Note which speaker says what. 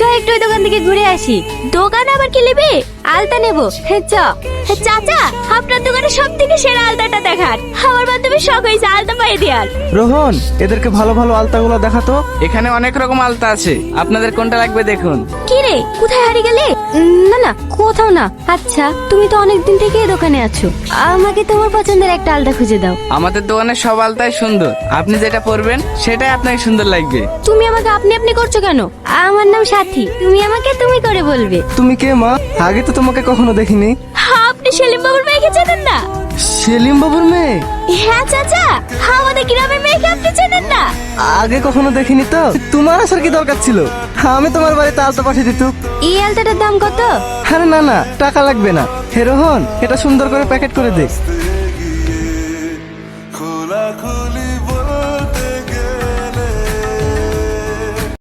Speaker 1: হয় একটু ওই দোকান থেকে ঘুরে আসি। দোকান আবার কি নেবে? আলতা নেবো। চাচা, আপনার দোকানে সব থেকে সেরা আলতাটা দেখান। আমার বান্ধবীর শখ হয়েছে আলতা পায়ে দেওয়ার।
Speaker 2: রোহন, এদেরকে ভালো ভালো আলতাগুলো দেখাতো।
Speaker 3: এখানে অনেক রকম আলতা আছে, আপনাদের কোনটা লাগবে দেখুন।
Speaker 1: কি রে, কোথায় হারিয়ে গেলে? না না, কোথাও না। আচ্ছা, তুমি তো অনেক দিন থেকে এই দোকানে আছো, আমাকে তোমার পছন্দের একটা আলতা খুঁজে দাও।
Speaker 3: আমাদের দোকানের সব আলতাই সুন্দর, আপনি যেটা পরবেন সেটাই আপনাকে সুন্দর লাগবে।
Speaker 1: তুমি আমাকে আপনি আপনি করছো কেন? আমার নাম সাথী, তুমি আমাকে তুমি করে বলবে।
Speaker 2: তুমি কে মা? আগে তো তোমাকে কখনো দেখিনি।
Speaker 1: আপনি সেলিম বাবুর মেয়েকে চেনেন না?
Speaker 2: সেলিম বাবুর মেয়ে?
Speaker 1: হ্যাঁ চাচা, আমাদের গ্রামের মেয়েকে আপনি চেনেন না?
Speaker 2: আগে কখনো দেখিনি তো। তোমার আসার কি দরকার ছিল? আমি তোমার বাড়িতে আলতা পাঠিয়ে দিত।
Speaker 1: এই আলতাটার দাম কত?
Speaker 2: আরে না না, টাকা লাগবে না। হে রোহন, এটা সুন্দর করে প্যাকেট করে দে।